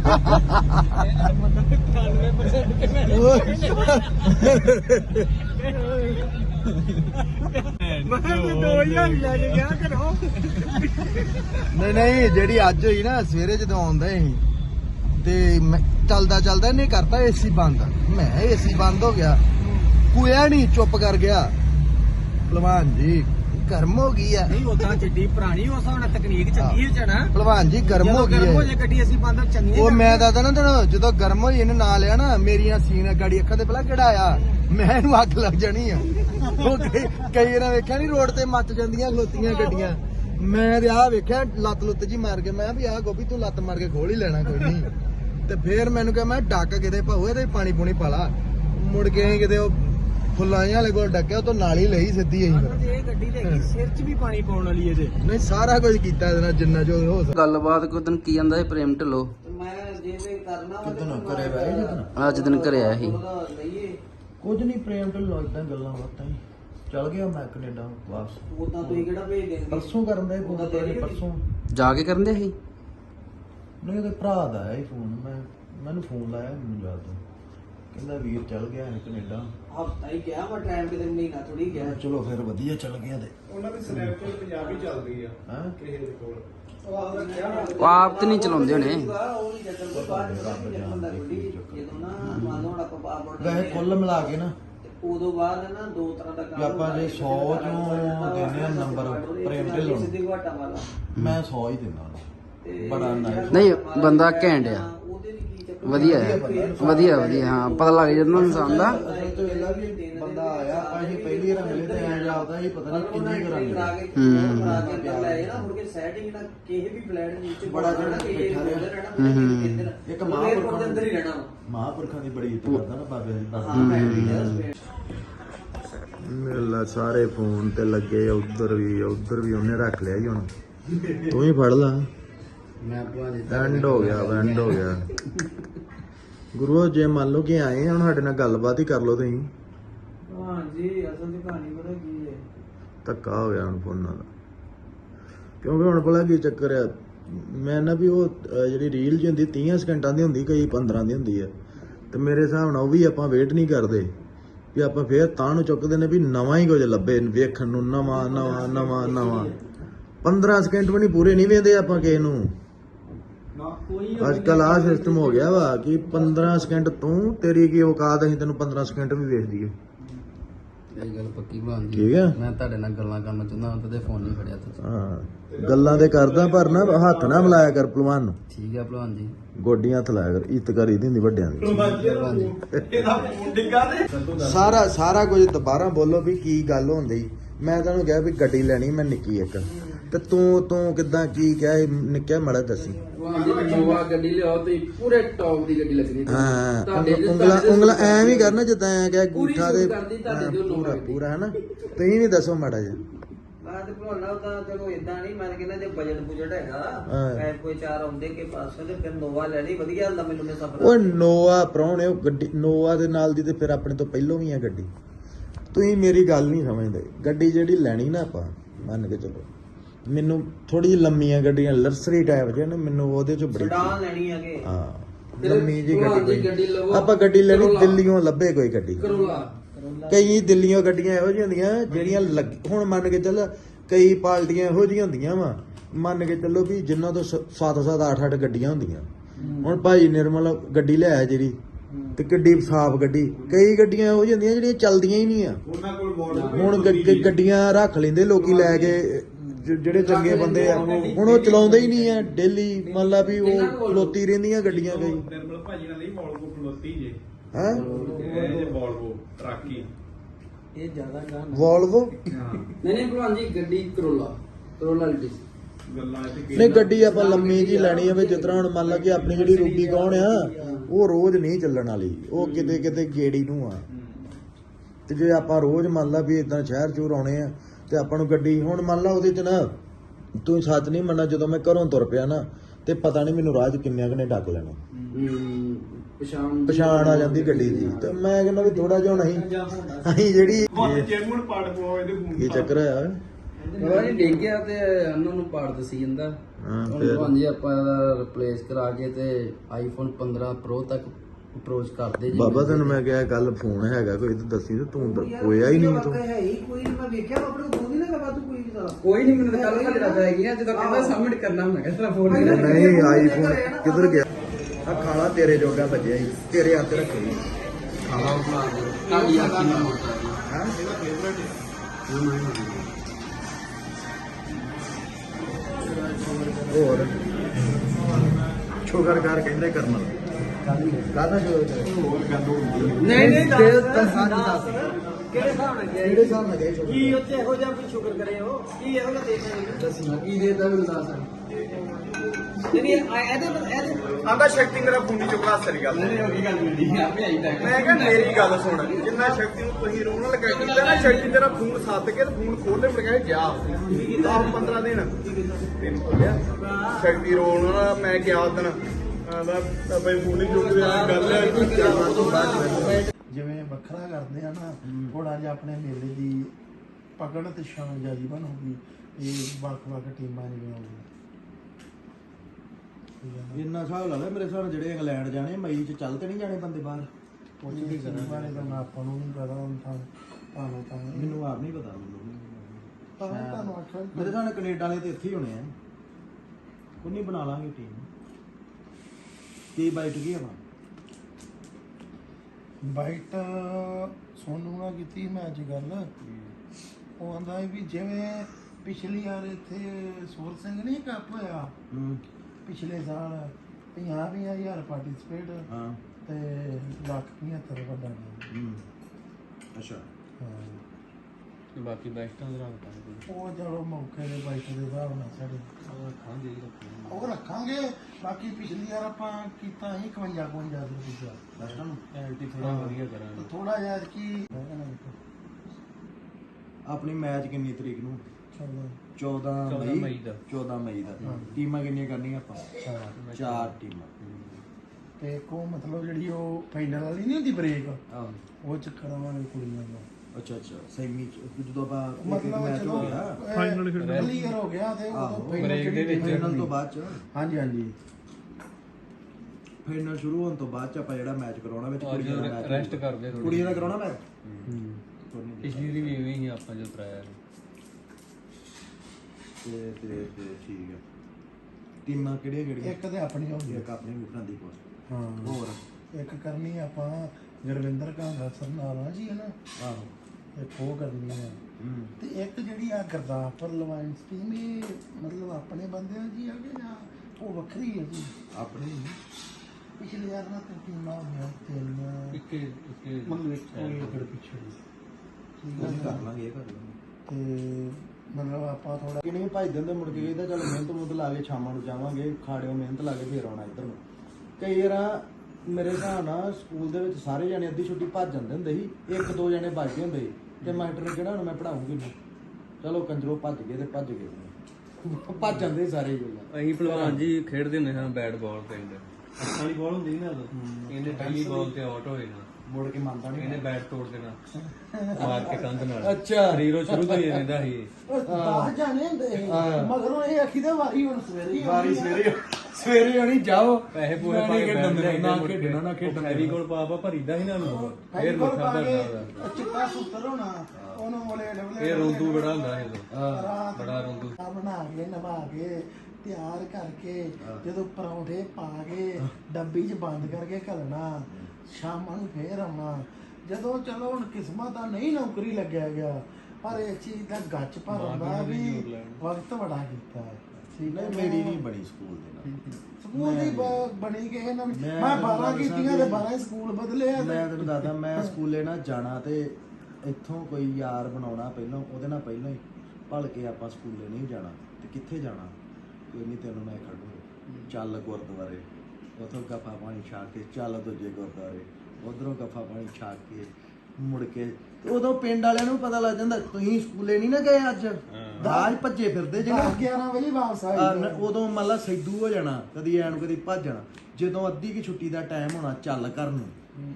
ਮੈਂ 2000 ਲੈ ਕੇ ਗਿਆ ਕਰੋ
ਨਹੀਂ ਜਿਹੜੀ ਅੱਜ ਹੋਈ ਨਾ ਸਵੇਰੇ ਜਦੋਂ ਆਉਂਦਾ ਸੀ ਤੇ ਮੈਂ ਚੱਲਦਾ ਇਹਨੇ ਕਰਤਾ ਏਸੀ ਬੰਦ ਮੈਂ ਏਸੀ ਬੰਦ ਹੋ ਗਿਆ ਕੁਇਆ ਨਹੀਂ ਚੁੱਪ ਕਰ ਗਿਆ ਭਲਵਾਨ ਜੀ ਗਰਮ ਹੋ ਗਈ ਆ
ਨਹੀਂ ਉਦਾਂ ਚੱਡੀ ਪੁਰਾਣੀ ਉਸ ਹਿਸਾਬ ਨਾਲ ਤਕਨੀਕ ਚੰਗੀ ਹੈ ਨਾ
ਭਲਵਾਨ ਜੀ ਗਰਮ ਹੋ ਗਈ
ਗਰਮ ਹੋ
ਹੈ
ਜੇ ਗੱਡੀ ਅਸੀਂ ਬੰਦ ਚੰਗੀ
ਉਹ ਮੈਂ ਦੱਸਦਾ ਨਾ ਤੈਨੂੰ ਜਦੋਂ ਗਰਮ ਹੋਈ ਇਹਨੇ ਨਾਂ ਲਿਆ ਨਾ ਮੇਰੀਆਂ ਸੀਨ ਗਾੜੀ ਅੱਖਾਂ ਤੇ ਪਹਿਲਾਂ ਕਿਹੜਾ ਆਇਆ ਮੈਂ ਇਹਨੂੰ ਅੱਗ ਲੱਗ ਜਾਣੀ ਆ ਉਹ ਕਈ ਵਾਰ ਵੇਖਿਆ ਨਹੀਂ ਰੋਡ ਤੇ ਮੱਚ ਜਾਂਦੀਆਂ ਖਲੋਤੀਆਂ ਗੱਡੀਆਂ ਮੈਂ ਤੇ ਆਹ ਵੇਖਿਆ ਲੱਤ ਲੁੱਤ ਜੀ ਮਾਰ ਕੇ ਮੈਂ ਵੀ ਆਹ ਗੋਪੀ ਤੂੰ ਲੱਤ ਮਾਰ ਕੇ ਖੋਲ ਹੀ ਲੈਣਾ ਕੋਈ ਨਹੀਂ ਤੇ ਫੇਰ ਮੈਨੂੰ ਕਿਹਾ ਮੈਂ ਡੱਕ ਕਿਤੇ ਭਾਊ ਇਹਦੇ ਪਾਣੀ ਪੂਣੀ ਪਾ ਲਾ ਮੁੜ ਕੇ ਅਸੀਂ ਕਿਤੇ ਉਹ ਫੁੱਲਾਂ ਵਾਲੇ ਕੋਲ ਡੱਕਿਆ ਉਹ ਤੋਂ ਨਾਲ ਹੀ ਲਈ ਸਿੱਧੀ ਅਸੀਂ
ਇਹ ਗੱਡੀ ਲੈ ਗਈ ਸਿਰ 'ਚ ਵੀ ਪਾਣੀ ਪਾਉਣ ਵਾਲੀ ਇਹਦੇ
ਨਹੀਂ ਸਾਰਾ ਕੁਝ ਕੀਤਾ ਇਹਦੇ ਨਾਲ ਜਿੰਨਾ ਜੋ ਹੋ ਸਕਦਾ
ਗੱਲਬਾਤ ਕੋਈ ਦਿਨ ਕੀ ਜਾਂਦਾ ਸੀ ਪ੍ਰੇਮ ਢਿੱਲੋਂ
ਮੈਂ ਜੇ ਤੇ ਕਰਨਾ
ਕਿਤਨਾ ਕਰੇ ਬੈ ਜਿਤਨਾ
ਅੱਜ ਦਿਨ ਘਰੇ ਆਇਆ ਸੀ
ਲਈਏ
ਕੁਝ ਨਹੀਂ ਪ੍ਰੇਮ ਢਿੱਲੋਂ ਇਦਾਂ ਗੱਲਾਂ ਬਾਤਾਂ ਹੀ ਚੱਲ ਗਿਆ ਮੈਂ ਕੈਨੇਡਾ ਵਾਪਸ
ਉਦਾਂ ਤੁਸੀਂ ਕਿਹੜਾ ਭੇਜ ਦੇਂਗੇ
ਪਰਸੋਂ ਕਰਨ ਦਾ ਫੋਨ ਤੇਰੇ ਪਰਸੋਂ
ਜਾ ਕੇ ਕਰਨ ਦੇ ਸੀ
ਨਹੀਂ ਉਹਦੇ ਭਰਾ ਦਾ ਆਇਆ ਫੋਨ ਮੈਨੂੰ ਫੋਨ ਲਾਇਆ ਮੈਨੂੰ ਯਾਦ ਤੋਂ ਕਹਿੰਦਾ ਵੀਰ ਚੱਲ ਗਿਆ ਹੈ ਕੈਨੇਡਾ
ਹਫਤਾ ਹੀ ਗਿਆ ਮੈਂ ਟਾਈਮ ਕਿਤੇ ਮਹੀਨਾ ਥੋੜੀ ਗਿਆ
ਚਲੋ ਫਿਰ ਵਧੀਆ ਚੱਲ ਗਿਆ ਤੇ
ਉਹਨਾਂ ਦੀ ਸਨੈਪਚੈਟ ਪੰਜਾਬੀ ਚੱਲ ਰਹੀ ਆ
ਹਾਂ
ਕਿਸੇ ਦੇ ਕੋਲ
ਉਹ ਆਪ ਰੱਖਿਆ
ਉਹ ਆਪ ਤੇ ਨਹੀਂ ਚਲਾਉਂਦੇ ਹੋਣੇ
ਉਹ ਨਹੀਂ ਜੱਟਲ ਤੋਂ ਬਾਅਦ ਬੰਦਾ ਗੁੱਡੀ ਜਦੋਂ ਨਾ ਮੰਨ ਲਓ ਹੁਣ ਆਪਾਂ ਪਾਸਪੋਰਟ
ਵੈਸੇ ਕੁੱਲ ਮਿਲਾ ਕੇ ਨਾ
ਉਦੋਂ ਬਾਅਦ ਨਾ ਦੋ ਤਰ੍ਹਾਂ ਦਾ ਕੰਮ
ਵੀ ਆਪਾਂ ਜੇ 100 ਚੋਂ ਦਿੰਦੇ ਆ ਨੰਬਰ ਪ੍ਰੇਮ ਢਿੱਲੋਂ ਨੂੰ,
ਸਿੱਧੀ ਘਾਟਾ ਵਾਲਾ
ਮੈਂ 100 ਹੀ ਦਿੰਦਾ ਉਹਨੂੰ। ਬੜਾ ਨਾਈਸ
ਨਹੀਂ ਬੰਦਾ ਘੈਂਟ ਆ
ਉਹਦੇ ਵੀ ਕੀ ਚੱਕਰ
ਵਧੀਆ ਹੈ ਵਧੀਆ ਹਾਂ ਪਤਾ ਲੱਗ ਜਾਂਦਾ ਇਨਸਾਨ ਦਾ
ਅਸਲ ਤੋਂ ਇਹਦਾ ਵੀ ਬੰਦਾ ਆਇਆ ਆਪਾਂ ਅਸੀਂ ਪਹਿਲੀ ਵਾਰ ਮਿਲੇ ਤੇ ਐਂ ਜਾਪਦਾ ਸੀ ਪਤਾ ਨਹੀਂ ਕਿੰਨੀ ਕਰਾਂਗੇ
ਕਰਾ ਕੇ ਅੰਦਰ ਲੈ ਜਾਣਾ ਮੁੜ ਕੇ ਸੈਟਿੰਗ ਨਾ ਕਿਸੇ ਵੀ ਫਲੈਟ ਨੀਚੇ
ਬੜਾ
ਰਹਿਣਾ ਕਿਸੇ
ਬੈਠਾ ਰਿਹਾ।
ਰਹਿਣਾ
ਇੱਕ
에어ਪੋਰਟ ਦੇ ਅੰਦਰ ਹੀ ਰਹਿਣਾ
ਮਹਾਂਪੁਰਖਾਂ ਦੀ ਬੜੀ ਇੱਜ਼ਤ ਕਰਦਾ ਨਾ ਬਾਬੇ ਦੀ
ਹਾਂ ਫੈਮਿਲੀ ਦਾ
ਮੇਲਾ ਸਾਰੇ ਫੋਨ ਤੇ ਲੱਗੇ ਉਧਰ ਵੀ ਉਹਨੇ ਰੱਖ ਲਿਆ ਜੀ ਹੁਣ ਤੂੰ ਹੀ ਫੜ ਲਾ
ਮੈਂ ਭਾਜੀ
ਐਂਡ ਹੋ ਗਿਆ ਗੁਰੂ ਜੇ ਮੰਨ ਲਓ ਕਿ ਆਏ ਹੁਣ ਸਾਡੇ ਨਾਲ ਗੱਲਬਾਤ ਹੀ ਕਰ ਲਓ ਤੁਸੀਂ
ਹਾਂਜੀ ਅਸਲ ਦੀ ਕਹਾਣੀ ਪਤਾ ਕੀ ਹੈ
ਧੱਕਾ ਹੋ ਗਿਆ ਹੁਣ ਫੋਨਾਂ ਦਾ ਕਿਉਂਕਿ ਹੁਣ ਭਲਾ ਕੀ ਚੱਕਰ ਆ ਮੈਂ ਨਾ ਵੀ ਉਹ ਜਿਹੜੀ ਰੀਲ ਜੀ ਹੁੰਦੀ 30 ਸਕਿੰਟਾਂ ਦੀ ਹੁੰਦੀ ਕਈ 15 ਦੀ ਹੁੰਦੀ ਆ ਤੇ ਮੇਰੇ ਹਿਸਾਬ ਨਾਲ ਉਹ ਵੀ ਆਪਾਂ ਵੇਟ ਨਹੀਂ ਕਰਦੇ ਵੀ ਆਪਾਂ ਫੇਰ ਤਾਂ ਨੂੰ ਚੁੱਕਦੇ ਨੇ ਵੀ ਨਵਾਂ ਹੀ ਕੁਝ ਲੱਭੇ ਵੇਖਣ ਨੂੰ ਨਵਾਂ 15 ਸਕਿੰਟ ਵੀ ਨਹੀਂ ਪੂਰੇ ਨਹੀਂ ਵੇਂਦੇ ਆਪਾਂ ਕਿਸੇ ਨੂੰ ਅੱਜ ਕੱਲ ਆਹ ਸਿਸਟਮ ਹੋ ਗਿਆ ਵਾ ਕਿ 15 ਸਕਿੰਟ ਤੂੰ ਤੇਰੀ ਕੀ ਔਕਾਤ ਅਸੀਂ ਤੈਨੂੰ 15 ਸਕਿੰਟ ਵੀ ਵੇਚ ਦਈਏ
ਇਹ ਗੱਲ ਪੱਕੀ ਭਲਵਾਨ ਜੀ
ਠੀਕ ਆ
ਮੈਂ ਤੁਹਾਡੇ ਨਾਲ ਗੱਲਾਂ ਕਰਨਾ ਚਾਹੁੰਦਾ ਹਾਂ ਤੇ ਫੋਨ ਨਹੀਂ ਫੜਿਆ ਤੁਸੀਂ
ਹਾਂ ਗੱਲਾਂ ਤੇ ਕਰਦਾ ਪਰ ਨਾ ਹੱਥ ਨਾ ਮਿਲਾਇਆ ਕਰ ਭਲਵਾਨ ਨੂੰ
ਠੀਕ ਹੈ ਭਲਵਾਨ ਜੀ
ਗੋਡੀਆਂ ਹੱਥ ਲਾਇਆ ਕਰ ਇੱਜ਼ਤ ਕਰੀ ਦੀ ਹੁੰਦੀ ਵੱਡਿਆਂ ਦੀ
ਇਹਦਾ ਫੋਨ ਡਿੱਗਾ ਤੇ
ਸਾਰਾ ਕੁਝ ਦੁਬਾਰਾ ਬੋਲੋ ਵੀ ਕੀ ਗੱਲ ਹੁੰਦੀ ਮੈਂ ਤੁਹਾਨੂੰ ਕਿਹਾ ਵੀ ਗੱਡੀ ਲੈਣੀ ਮੈਂ ਨਿੱਕੀ ਇੱਕ, ਤੇ ਤੂੰ ਕਿਦਾਂ ਕੀ ਕਿਹਾ ਸੀ? ਨਿੱਕਿਆ ਮਾੜਾ ਦੱਸੀ।
ਨੋਵਾ ਗੱਡੀ ਲਿਆਓ ਤੇ ਪੂਰੇ ਟੌਪ ਦੀ ਗੱਡੀ ਲੱਗਣੀ
ਹਾਂ
ਤੁਹਾਡੇ ਦੇ-
ਉਂਗਲਾਂ ਐਵੇਂ ਹੀ ਕਰਨਾ ਜਿੱਦਾਂ ਐ ਕਿਹਾ ਗੂਠਾ ਦੇ
ਕਰਦੀ ਤੁਹਾਡੇ ਦੇ
ਪੂਰਾ
ਨੋਵਾ
ਪੂਰਾ ਹੈ ਨਾ। ਤੁਸੀਂ ਵੀ ਦੱਸੋ ਮਾੜਾ ਜਿਹਾ।
ਮੈਂ ਤੇ ਭਲਾਉਣਾ ਤਾਂ ਚਲੋ ਇਦਾਂ ਨਹੀਂ, ਮੈਂ ਕਹਿੰਦਾ ਜੇ ਬਜਟ ਬੁਜਟ ਹੈਗਾ ਐ ਕੋਈ ਚਾਰ ਆਉਂਦੇ ਕੇ ਪਾਸੇ ਤੇ ਫਿਰ ਨੋਵਾ ਲੈ ਲਈ, ਵਧੀਆ ਹੁੰਦਾ ਮੈਨੂੰ ਤੇ ਸਫਰ।
ਉਹ ਨੋਵਾ ਪ੍ਰਾਹੁਣੇ, ਉਹ ਗੱਡੀ ਨੋਵਾ ਦੇ ਨਾਲ ਦੀ ਤੇ ਫਿਰ ਆਪਣੇ ਤੋਂ ਪਹਿਲੋਂ ਵੀ ਆ ਗੱਡੀ। ਤੁਸੀਂ ਮੇਰੀ ਗੱਲ ਨਹੀਂ ਸਮਝਦੇ। ਗੱਡੀ ਜਿਹੜੀ ਲੈਣੀ ਨਾ ਆਪਾਂ ਮੰਨ ਕੇ ਚਲੋ, ਮੈਨੂੰ ਥੋੜੀ ਜਿਹੀ ਲੰਮੀਆਂ ਗੱਡੀਆਂ ਲਰਸਰੀ ਟਾਈਪ ਜਿਹੇ ਨੇ, ਮੈਨੂੰ ਉਹਦੇ ਚੋਂ ਬੜੀ
ਸਡਾਨ ਲੈਣੀ ਹੈਗੇ।
ਹਾਂ ਲੰਮੀ ਜੀ
ਭਲਵਾਨ ਦੀ
ਗੱਡੀ
ਗੱਡੀ ਲਵੋ।
ਆਪਾਂ ਗੱਡੀ ਲੈਣੀ
ਕਰੋਲਾ।
ਦਿੱਲੀੋਂ ਲੱਭੇ ਕੋਈ ਗੱਡੀ।
ਕਰੋਲਾ
ਕਈ ਦਿੱਲੀੋਂ ਗੱਡੀਆਂ ਇਹੋ ਜਿਹੀਆਂ ਹੁੰਦੀਆਂ ਜਿਹੜੀਆਂ ਹੁਣ ਮੰਨ ਕੇ ਚੱਲ ਕਈ ਪਾਰਟੀਆਂ ਇਹੋ ਜਿਹੀਆਂ ਹੁੰਦੀਆਂ ਵਾ, ਮੰਨ ਕੇ ਚੱਲੋ ਵੀ ਜਿਨ੍ਹਾਂ ਤੋਂ 7-7 8-8 ਗੱਡੀਆਂ ਹੁੰਦੀਆਂ। ਹੁਣ ਭਾਈ ਨਿਰਮਲ ਗੱਡੀ ਲਿਆਇਆ ਜਿਹੜੀ, ਤੇ ਗੱਡੀ ਸਾਫ ਗੱਡੀ। ਕਈ ਗੱਡੀਆਂ ਇਹੋ ਜਿਹੀਆਂ ਹੁੰਦੀਆਂ ਜਿਹੜੀਆਂ ਚੱਲਦੀਆਂ ਹੀ ਨਹੀਂ ਆ।
ਉਹਨਾਂ ਕੋਲ ਵੋਲਵੋ
ਹੁਣ ਗੱਡੀਆਂ ਰੱਖ ਲੈਂਦੇ ਲੋਕੀ ਲੈ ਕੇ, ਜਿਹੜੇ ਚੰਗੇ ਬੰਦੇ ਆ, ਹੁਣ ਉਹ ਚਲਾਉਂਦੇ ਹੀ ਨਹੀਂ ਆ ਡੇਲੀ। ਮੰਨ ਲਾ ਵੀ ਉਹ ਖਲੋਤੀ ਰਹਿੰਦੀਆਂ ਗੱਡੀਆਂ ਕਈ।
ਨਿਰਮਲ ਭਾਜੀ ਨਾਲ ਹੀ ਵੋਲਵੋ ਖਲੋਤੀ ਜੇ
ਹੈ
ਇਹ ਜੇ ਵੋਲਵੋ ਟਰੱਕੀ
ਇਹ ਜ਼ਿਆਦਾ ਗਾਂ
ਵੋਲਵੋ
ਨਹੀਂ ਭਲਵਾਨ ਜੀ ਗੱਡੀ ਕਰੋਲਾ ਲਿੱਤੀ ਸੀ।
ਗੱਲਾਂ ਇੱਥੇ
ਨਹੀਂ ਗੱਡੀ ਆਪਾਂ ਲੰਮੀ ਜੀ ਲੈਣੀ ਆ ਵੀ ਜਿਸ ਤਰ੍ਹਾਂ ਹੁਣ ਮੰਨ ਲਾ ਕਿ ਆਪਣੀ ਜਿਹੜੀ ਰੂਬੀ ਕੌਣ ਆ, ਉਹ ਰੋਜ਼ ਨਹੀਂ ਚੱਲਣ ਵਾਲੀ, ਉਹ ਕਿਤੇ ਕਿਤੇ ਗੇੜੀ ਨੂੰ ਆ। ਤੇ ਜੇ ਆਪਾਂ ਰੋਜ਼ ਮੰਨ ਲਾ ਵੀ ਇਦਾਂ ਸ਼ਹਿਰ ਚੂਰ ਆਉਣੇ ਆ, ਤੇ ਆਪਾਂ ਨੂੰ ਗੱਡੀ ਹੁਣ ਮੰਨ ਲਾ ਉਹਦੇ ਚ ਨਾ, ਤੂੰ ਸੱਚ ਨਹੀਂ ਮੰਨਣਾ, ਜਦੋਂ ਮੈਂ ਘਰੋਂ ਤੁਰ ਪਿਆ ਨਾ ਤੇ ਪਤਾ ਨਹੀਂ ਮੈਨੂੰ ਰਾਹ 'ਚ ਕਿੰਨਿਆਂ ਕੁ ਨੇ ਡੱਕ ਲੈਣਾ, ਪਛਾਣ ਆ ਜਾਂਦੀ ਗੱਡੀ ਦੀ। ਤੇ ਮੈਂ ਕਹਿੰਦਾ ਵੀ ਥੋੜਾ ਜਿਹਾ ਹੁਣ ਅਸੀਂ ਜਿਹੜੀ
ਚੇਅਰਮੈਨ ਪਾੜ ਪਵਾਓ ਇਹਦੇ ਫੋਨ
ਕੀ ਚੱਕਰ ਆ।
ਭਲਵਾਨ ਜੀ ਡਿੱਗ ਗਿਆ ਤੇ ਉਹਨਾਂ ਨੂੰ ਪਾੜ ਦਸੀ ਜਾਂਦਾ।
ਹਾਂ,
ਹੁਣ
ਫਿਰ?
ਭਲਵਾਨ ਜੀ ਆਪਾਂ ਇਹਦਾ ਰਿਪਲੇਸ ਕਰਾ ਕੇ ਤੇ ਆਈਫੋਨ 15 ਪ੍ਰੋ ਤੱਕ ਅਪਰੋਚ ਕਰਦੇ ਜੀ।
ਬਾਬਾ ਤੈਨੂੰ ਮੈਂ ਕਿਹਾ ਕੱਲ ਫੋਨ ਹੈਗਾ ਕੋਈ ਤੇ ਦੱਸੀ, ਤੇ ਤੂੰ ਹੋਇਆ ਹੀ ਨਹੀਂ ਤੂੰ।
ਹੈ ਹੀ ਕੋਈ ਨਹੀਂ, ਮੈਂ ਵੇਖਿਆ ਆਪਣੇ ਫੋਨ ਨਹੀਂ ਲਗਾ ਤੂੰ ਕੋਈ ਵੀ ਦਾ।
ਕੋਈ ਨਹੀਂ, ਮੈਨੂੰ ਕੱਲ ਘੱਟ ਪੈ ਗਿਆ ਜਦੋਂ ਕਹਿੰਦਾ ਸਬਮਿਟ ਕਰਨਾ, ਮੈਂ ਕਿਹਾ ਤੇਰਾ ਫੋਨ
ਨਹੀਂ ਆਈਫੋਨ ਕਿੱਧਰ ਗਿਆ? ਆ ਖਾਣਾ ਤੇਰੇ ਜੋਗਾ ਭੱਜਿਆ ਹੀ, ਤੇਰੇ ਹੱਥ ਰੱਖੀ
ਖਾਣਾ ਬਣਾ ਦੇ ਤੁਹਾਡੀ ਆਖੀ ਨਾ ਮੋਟਾ ਜੀ।
ਹਾਂ ਹੋਰ ਸ਼ੁਕਰ ਕਰ ਕਹਿੰਦੇ ਕਰਨਾ ਕਾਹਦਾ ਸ਼ੁਕਰ ਕਰ?
ਨਹੀਂ
ਦਿਲ ਤਾਂ ਸਾਡੀ ਦੱਸ।
ਕਿਹੜੇ ਹਿਸਾਬ ਨਾਲ ਗਿਆ?
ਕਿਹੜੇ ਹਿਸਾਬ ਨਾਲ ਗਏ ਸ਼ੁਕਰ?
ਕੀ ਉੱਥੇ ਇਹੋ ਜਿਹਾ ਕੋਈ ਸ਼ੁਕਰ ਕਰੇ ਹੋ? ਕੀ ਇਹੋ ਜਿਹਾ ਦੇਖਿਆ
ਦੱਸਣਾ ਕੀ ਦੇਤਾ ਮੈਨੂੰ ਦੱਸ।
ਨਹੀਂ ਇਹਦੇ
ਆਂਦਾ ਸ਼ਕਤੀ ਮੇਰਾ ਫੋਨ ਨਹੀਂ ਚੁੱਕਦਾ ਸਰੀ ਗੱਲ
ਨਹੀਂ ਹੋ ਗਈ ਗੱਲ ਮਿਲਦੀ ਆਪੇ ਆਈ ਤੱਕ।
ਮੈਂ ਕਿਹਾ ਮੇਰੀ ਗੱਲ ਸੁਣ, ਜਿੰਨਾ ਸ਼ਕਤੀ ਨੂੰ ਤੁਸੀਂ ਰੋਣ ਲਗਾ ਕੀਤਾ ਨਾ, ਸ਼ਕਤੀ ਤੇਰਾ ਫੋਨ ਸੱਦ ਕੇ ਤੇ ਫੋਨ ਖੋਲੇ ਮੁੜ ਕੇ ਜਾ 10-15 ਦਿਨ ਤੈਨੂੰ ਹੋ ਗਿਆ ਸ਼ਕਤੀ ਰੋਣ ਨਾ। ਮੈਂ ਗਿਆ ਉਦਣ ਆਂਦਾ ਬਈ ਫੋਨ ਨਹੀਂ ਚੁੱਕਦਾ ਗੱਲ ਹੈ।
ਜਿਵੇਂ ਵੱਖਰਾ ਕਰਦੇ ਆ ਨਾ, ਥੋੜਾ ਜਿਹਾ ਆਪਣੇ ਮੇਲੇ ਦੀ ਪਕੜ ਤੇ ਸ਼ਾਨ ਜਿਆਦੀ ਬਣੂਗੀ। ਇਹ ਵੱਖ-ਵੱਖ ਟੀਮਾਂ ਜਿਵੇਂ ਹੋਣਗੀਆਂ।
ਇੰਨਾ ਹਿਸਾਬ ਲਾ ਲੈ ਮੇਰੇ ਹਿਸਾਬ ਨਾਲ ਜਿਹੜੇ ਇੰਗਲੈਂਡ ਜਾਣੇ ਮਈ ਚ ਚੱਲ ਤੇ ਨਹੀਂ ਜਾਣੇ ਬੰਦੇ ਬਾਹਰ।
ਕੁਝ ਵੀ ਕਰਾਂਗੇ ਤਾਂ ਆਪਾਂ ਨੂੰ ਨਹੀਂ ਪਤਾ ਹੁਣ ਤੁਹਾਨੂੰ ਤਾਂ
ਮੈਨੂੰ ਆਪ ਨਹੀਂ ਪਤਾ।
ਤੁਹਾਨੂੰ ਆਖਿਆ
ਮੇਰੇ ਹਿਸਾਬ ਨਾਲ ਕੈਨੇਡਾ ਵਾਲੇ ਤੇ ਇੱਥੇ ਹੀ ਹੋਣੇ ਆ। ਕੋਈ ਨਹੀਂ ਬਣਾ ਲਾਂਗੇ ਟੀਮ। ਕੀ ਬਾਈਟ ਕੀ ਆਪਾਂ
ਬਾਈਟ ਸੋਨੂ ਨਾਲ ਕੀਤੀ ਮੈਂ ਅੱਜ ਗੱਲ। ਉਹ ਆਂਦਾ ਵੀ ਜਿਵੇਂ ਪਿਛਲੀ ਵਾਰ ਇੱਥੇ ਸੂਰ ਸਿੰਘ ਨਹੀਂ ਕੱਪ ਹੋਇਆ ਪਿਛਲੇ ਸਾਲ 50,000 ਪਾਰਟਿਸਪੇਟ
ਹਾਂ
ਤੇ 1,75,000 ਵੱਡਾ ਨਾਮ।
ਅੱਛਾ
ਹਾਂ
ਬਾਕੀ ਬੈਸਟਾਂ ਦਾ ਰੱਖਦਾ
ਉਹ ਚਲੋ ਮੌਕੇ ਦੇ ਬਾਈਕ ਦੇ ਹਿਸਾਬ ਨਾਲ ਸਾਡੇ
ਖਾਂਦੇ
ਉਹ ਰੱਖਾਂਗੇ। ਬਾਕੀ ਪਿਛਲੀ ਵਾਰ ਆਪਾਂ ਕੀਤਾ ਸੀ 51,000 ਰੁਪਏ
ਦਸਤਾਂ ਨੂੰ
ਐਲਟੀ ਥੋੜਾ ਵਧੀਆ ਕਰਾਂਗੇ।
ਥੋੜਾ ਜਿਹਾ ਕੀ
ਆਪਣੀ ਮੈਚ ਕਿੰਨੀ ਤਰੀਕ ਨੂੰ? 14
14 ਮਈ ਦਾ।
14 ਮਈ ਦਾ। ਟੀਮਾਂ ਕਿੰਨੀਆਂ ਕਰਨੀਆਂ ਆਪਾਂ? 4 ਟੀਮਾਂ।
ਤੇ ਕੋ ਮਤਲਬ ਜਿਹੜੀ ਉਹ ਫਾਈਨਲ ਵਾਲੀ ਨਹੀਂ ਹੁੰਦੀ ਬ੍ਰੇਕ,
ਆਹ
ਉਹ ਚ ਕਰਾਵਾਂਗੇ ਕੁੜੀਆਂ ਦਾ।
ਅੱਛਾ ਸੈਮੀ ਜਦੋਂ ਆਪਾਂ
ਮਤਲਬ
ਮੈਚ
ਚਲੋ
ਹੋ ਗਿਆ
ਫਾਈਨਲ ਕਲੀਅਰ ਹੋ ਗਿਆ ਤੇ
ਆਹੋ,
ਉਦੋਂ final
break ਦੇ ਵਿੱਚ
ਫਾਈਨਲ ਤੋਂ ਬਾਅਦ ਚ
ਹਾਂਜੀ ਹਾਂਜੀ
ਫਾਈਨਲ ਸ਼ੁਰੂ ਹੋਣ ਤੋਂ ਬਾਅਦ ਚ ਆਪਾਂ ਜਿਹੜਾ ਮੈਚ ਕਰਾਉਣਾ ਵਿੱਚ ਕੁੜੀਆਂ ਦਾ ਮੈਚ
ਰੈਸਟ ਕਰਦੇ ਥੋੜੀ।
ਕੁੜੀਆਂ ਦਾ ਕਰਾਉਣਾ ਮੈਚ।
ਪਿਛਲੀ ਵਾਰੀ ਵੀ ਇਵੇਂ ਹੀ ਆਪਾਂ ਜੋ ਕਰਾਇਆ
ਤੇ ਠੀਕ ਹੈ। ਟੀਮਾਂ ਕਿਹੜੀਆਂ
ਇੱਕ ਤੇ ਆਪਣੀ ਹੋ ਗਈ।
ਇੱਕ ਆਪਣੀ ਵੀ ਬਣਾਉਂਦੀ ਕੋਲ।
ਹਾਂ
ਹੋਰ
ਇੱਕ ਕਰਨੀ ਆਪਾਂ ਗੁਰਵਿੰਦਰ ਕਾਂਗਾ ਸਰ ਨਾਲ ਆ ਜੀ ਹੈ ਨਾ,
ਆਹੋ
ਇੱਕ ਉਹ ਕਰਨੀ ਆ। ਤੇ ਇੱਕ ਜਿਹੜੀ ਆ ਗੁਰਦਾਸਪੁਰ ਲਵਾਇੰਸ ਟੀਮ, ਇਹ ਮਤਲਬ ਆਪਣੇ ਬੰਦਿਆਂ ਦੀ ਆ ਕਿ ਜਾਂ ਉਹ ਵੱਖਰੀ ਹੈ ਜੀ?
ਆਪਣੇ
ਪਿਛਲੇ ਯਾਰ ਨਾ ਤੇ ਟੀਮਾਂ ਹੋਈਆਂ ਤਿੰਨ,
ਇੱਕੇ
ਮਤਲਬ ਇੱਕ ਕੋਈ ਅਗਰ ਪਿੱਛੇ
ਉਹ ਕਰ ਲਾਂਗੇ ਇਹ ਕਰ ਲਾਂਗੇ।
ਤੇ ਮਤਲਬ ਆਪਾਂ ਥੋੜਾ
ਕਿ ਨਹੀਂ ਭੱਜ ਦਿੰਦੇ ਮੁੜ ਕੇ ਕਹਿੰਦਾ ਚਲ ਮਿਹਨਤ ਲਾ ਕੇ ਸ਼ਾਮਾਂ ਨੂੰ ਜਾਵਾਂਗੇ ਖਾੜਿਓ ਮਿਹਨਤ ਲਾ ਕੇ ਫੇਰ ਆਉਣਾ ਇੱਧਰ ਨੂੰ। ਕਈ ਵਾਰ ਮੇਰੇ ਹਿਸਾਬ ਨਾਲ ਸਕੂਲ ਦੇ ਵਿੱਚ ਸਾਰੇ ਜਣੇ ਅੱਧੀ ਛੁੱਟੀ ਭੱਜ ਜਾਂਦੇ ਹੁੰਦੇ ਸੀ, ਇੱਕ ਦੋ ਜਣੇ ਬਚਦੇ ਹੁੰਦੇ ਸੀ ਤੇ ਮਾਸਟਰ ਨੇ ਕਿਹੜਾ ਹੁਣ ਮੈਂ ਪੜਾਉਂਗੀ ਨਹੀਂ, ਚਲੋ ਕੰਜਰੋ ਭੱਜ ਗਏ ਭੱਜ ਜਾਂਦੇ ਸਾਰੇ ਜੀ।
ਅਸੀਂ ਭਲਵਾਨ ਜੀ ਖੇਡਦੇ ਹੁੰਦੇ ਹਾਂ ਬੈਟ ਬਾਲ ਪਿੰਡ, ਅੱਖਾਂ ਵਾਲੀ ਬਾਲ ਹੁੰਦੀ ਨਾ ਉਦੋਂ, ਇਹਨੇ ਪਹਿਲੀ ਬਾਲ ਤੇ ਆਊਟ ਹੋਏ ਨਾ,
ਮੁੜ ਕੇ ਮੰਨਦਾ ਨਹੀਂ
ਇਹਨੇ ਬੈਟ ਤੋੜ ਦੇਣਾ ਮਾਰ ਕੇ ਕੰਧ ਨਾਲ।
ਅੱਛਾ
ਰੀਰੋ ਸ਼ੁਰੂ ਤੋਂ ਹੀ ਰਹਿੰਦਾ ਸੀ।
10 ਜਾਣੇ ਹੁੰਦੇ ਸੀ ਮਗਰੋਂ ਇਹ ਆਖੀ ਦੇ ਵਾਰੀ ਹੁਣ ਸਵੇਰੇ
ਵਾਰੀ ਸਵੇਰੇ ਆਣੀ ਜਾਓ
ਪੈਸੇ ਪੂਰੇ ਪਾ ਕੇ ਨਾ ਖੇਡਣਾ ਨਾ ਖੇਡਣਾ ਹੈਵੀ ਕੋਲ ਪਾਪਾ ਭਰੀਦਾ ਸੀ ਨਾ ਨੂੰ ਫੇਰ ਮੁੱਠਾ ਭਰਦਾ
ਚਿੱਟਾ ਸੁੱਤਰ ਹੋਣਾ ਉਹਨੂੰ ਬੋਲੇ ਡਬਲੇ
ਇਹ ਰੋਂਦੂ ਬੜਾ ਹੁੰਦਾ ਸੀ ਉਦੋਂ, ਬੜਾ ਰੋਂਦੂ।
ਬਣਾ ਕੇ ਨਵਾ ਕੇ ਤਿਆਰ ਕਰਕੇ ਜਦੋਂ ਪਰੌਂਠੇ ਪਾ ਕੇ ਡੱਬੀ 'ਚ ਬੰਦ ਕਰਕੇ ਘਲਣਾ, ਸ਼ਾਮਾਂ ਨੂੰ ਫੇਰ ਆਉਣਾ। ਜਦੋਂ ਚਲੋ ਹੁਣ ਕਿਸਮਤ ਆ ਨਹੀਂ ਨੌਕਰੀ ਲੱਗਿਆ ਗਿਆ, ਪਰ ਇਸ ਚੀਜ਼ ਦਾ ਗੱਚ ਭਰ ਹੁੰਦਾ ਵੀ ਵਕਤ ਬੜਾ ਕੀਤਾ। ਠੀਕ ਹੈ,
ਮੇਰੀ ਨਹੀਂ ਬਣੀ ਸਕੂਲ ਦੇ ਨਾਲ।
ਸਕੂਲ ਦੀ ਬਣੀ ਕਿਸੇ ਨਾਲ ਮੈਂ 12 ਕੀਤੀਆਂ ਤੇ 12 ਸਕੂਲ ਬਦਲੇ ਆ।
ਮੈਂ ਤੈਨੂੰ ਦੱਸਦਾ, ਮੈਂ ਸਕੂਲੇ ਨਾ ਜਾਣਾ ਤੇ ਇੱਥੋਂ ਕੋਈ ਯਾਰ ਬਣਾਉਣਾ ਪਹਿਲਾਂ, ਉਹਦੇ ਨਾਲ ਪਹਿਲਾਂ ਹੀ ਭਲ ਕੇ ਆਪਾਂ ਸਕੂਲੇ ਨਹੀਂ ਜਾਣਾ ਤੇ ਕਿੱਥੇ ਜਾਣਾ, ਕੋਈ ਨਹੀਂ ਤੈਨੂੰ ਮੈਂ ਖੜੂ, ਚੱਲ ਗੁਰਦੁਆਰੇ ਉਥੋਂ ਗੱਫਾ ਪਾਣੀ ਛਾਕ ਕੇ ਚੱਲ ਦੂਜੇ ਗੁਰਦੁਆਰੇ, ਉਧਰੋਂ ਗੱਫਾ ਪਾਣੀ ਛਾਕ ਕੇ ਮੁੜ ਕੇ ਉਦੋਂ ਪਿੰਡ ਵਾਲਿਆਂ ਨੂੰ ਪਤਾ ਲੱਗ ਜਾਂਦਾ ਤੁਸੀਂ ਸਕੂਲੇ ਨਹੀਂ ਨਾ ਗਏ ਅੱਜ, ਦਾਜ ਭੱਜੇ ਫਿਰਦੇ ਜਿਹੜੇ
11 ਵਜੇ ਵਾਪਸ ਆਏ।
ਉਦੋਂ ਮੰਨ ਲਾ ਸੈਦੂ ਹੋ ਜਾਣਾ, ਕਦੀ ਐਨ ਕਦੀ ਭੱਜ ਜਾਣਾ। ਜਦੋਂ ਅੱਧੀ ਕੀ ਛੁੱਟੀ ਦਾ ਟਾਈਮ ਹੋਣਾ ਚੱਲ ਕਰਨ ਨੂੰ